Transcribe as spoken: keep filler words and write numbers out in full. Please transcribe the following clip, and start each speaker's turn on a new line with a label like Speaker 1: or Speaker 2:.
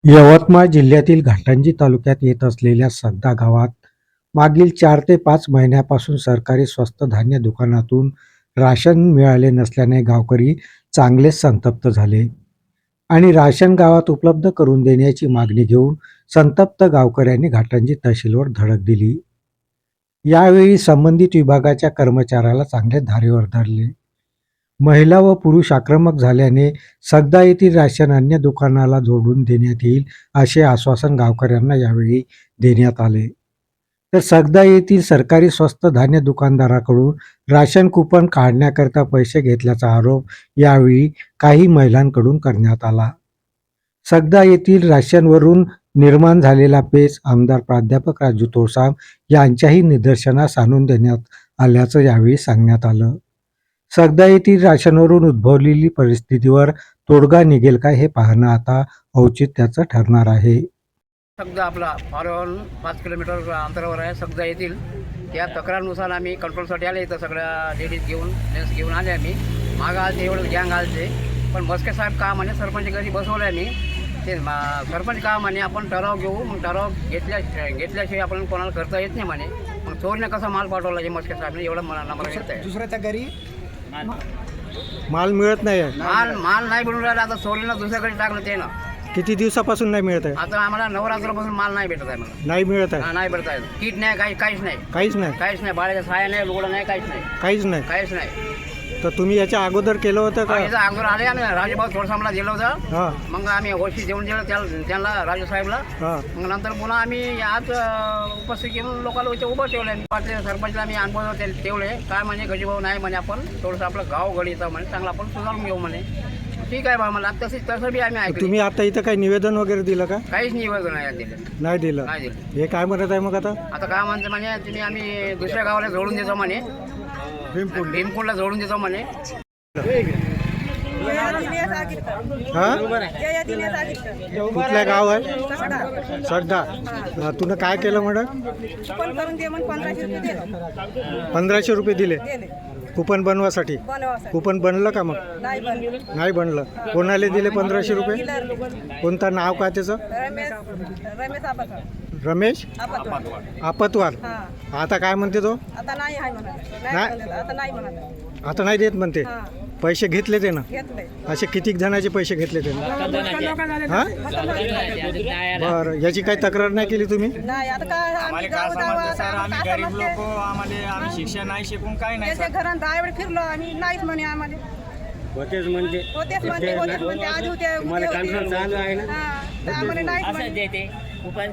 Speaker 1: यवतमाळ जिल्ह्यातील घाटंजी तालुक्यात येत असलेल्या सगदा गावात मागील चार ते पाच महिन्यापासून सरकारी स्वस्त धान्य दुकानातून राशन मिळाले नसल्याने गावकरी चांगलेच संतप्त झाले आणि राशन गावात उपलब्ध करून देण्याची मागणी घेऊन संतप्त गावकऱ्यांनी घाटंजी तहसीलवर धडक दिली. यावेळी संबंधित विभागाच्या कर्मचाऱ्याला चांगले धारेवर धरले. महिला व पुरुष आक्रमक झाल्याने सगदा येथील राशन अन्य दुकानाला जोडून देण्यात येईल असे आश्वासन गावकऱ्यांना यावेळी देण्यात आले. तर सगदा येथील सरकारी स्वस्त धान्य दुकानदाराकडून राशन कुपन काढण्याकरता पैसे घेतल्याचा आरोप यावेळी काही महिलांकडून करण्यात आला. सगदा येथील राशनवरून निर्माण झालेला पेच आमदार प्राध्यापक राजू तोळसाम यांच्याही निदर्शनास आणून देण्यात आल्याचं यावेळी सांगण्यात आलं. सगदा येथील राशनवरून उद्भवलेली परिस्थितीवर तोडगा निघेल का हे पाहणं आता औचित्याचं ठरणार आहे.
Speaker 2: सगदा आपला फारवरून पाच किलोमीटर अंतरावर आहे. सगदा येथील त्या तक्रारनुसार आम्ही कंट्रोलसाठी आले. इथं सगळ्या लेडीज घेऊन जेंट्स घेऊन आले. आम्ही मागं आलते एवढं गँग आलते, पण मस्के साहेब का म्हणे सरपंच घरी बसवलं आहे. मी ते सरपंच का म्हणे आपण ठराव घेऊ, मग ठराव घेतल्या घेतल्याशिवाय आपण कोणाला करता येत नाही म्हणे. मग चोरने कसा माल पाठवला जे मस्के साहेबने एवढं मला नंबर घेत आहे.
Speaker 3: दुसऱ्याच्या घरी माल मिळत नाही आहे.
Speaker 2: माल माल नाही बनवून राहिला. आता चोरीनं दुसऱ्याकडे टाकलं ते ना.
Speaker 3: किती दिवसापासून नाही मिळत आहे?
Speaker 2: आता आम्हाला नवरात्रापासून माल नाही भेटत आहे. मला
Speaker 3: नाही मिळत आहे.
Speaker 2: हा, नाही भेटत आहे. किट नाही, काही काहीच नाही,
Speaker 3: काहीच नाही.
Speaker 2: काहीच नाही. बाळाच्या साया नाही, लुगडं नाही, काहीच नाही,
Speaker 3: काहीच नाही.
Speaker 2: काहीच नाही.
Speaker 3: तर तुम्ही याच्या अगोदर केलं होतं का?
Speaker 2: याच्या अगोदर आले आम्ही राजूभाऊ थोडसामला दिलं होतं.
Speaker 3: हां
Speaker 2: मग आम्ही होशी देऊन दिलं त्याला, त्यांना राजू साहेबला.
Speaker 3: हां
Speaker 2: मग नंतर पुन्हा आम्ही आज अं, उपस्थित घेऊन लोकांना इथे उभं ठेवलं. पाटील सरपंचला आम्ही अनुभव ते- ठेवले. काय म्हणे गजीभाऊ नाही म्हणे, आपण थोडंसं आपलं गाव गडीचं म्हणे चांगलं आपण सुधारून घेऊ म्हणे. ठीक आहे बा, मला तसंच तसं बी आम्ही ऐकलं.
Speaker 3: तुम्ही आता इथं काही निवेदन वगैरे दिलं का?
Speaker 2: काहीच निवेदन नाही दिलं.
Speaker 3: नाही दिलं.
Speaker 2: नाही दिलं.
Speaker 3: हे काय म्हणत आहे मग आता?
Speaker 2: आता काय म्हणते म्हणे, तुम्ही आम्ही दुसऱ्या गावाला जोडून देतो म्हणे, भीमकुंडला जोडून देतो म्हणे.
Speaker 3: हा कुठल्या गाव आहे? सगदा. तुला काय केलं म्हणत? पंधराशे रुपये दिले कुपन बनवासाठी. कुपन बनलं का? मग नाही बनलं. कोणाला दिले पंधराशे रुपये? कोणता नाव काय त्याचं? रमेश आपतवार. आता काय म्हणते तो?
Speaker 4: आता नाही आहे म्हणा. आता नाही म्हणा.
Speaker 3: आता नाही देत म्हणते. पैसे घेतले ते ना? असे किती जणांचे पैसे घेतले ते ना? हा बरं, याची काही तक्रार नाही केली तुम्ही?
Speaker 4: नाही. आता काय आम्ही गाव गावात
Speaker 5: आम्ही गरीब लोक, आम्हाला आम्ही शिक्षण नाही शिकून काय नाही.
Speaker 4: त्याच्या घरात दहा वेळ फिरलो आम्ही, नाहीच म्हणे आम्हाला.
Speaker 5: होतेच म्हणजे
Speaker 4: होतेच म्हणते होतेच म्हणते आज होते उद्या होते. हा, तर आम्हाला नाहीच म्हणे.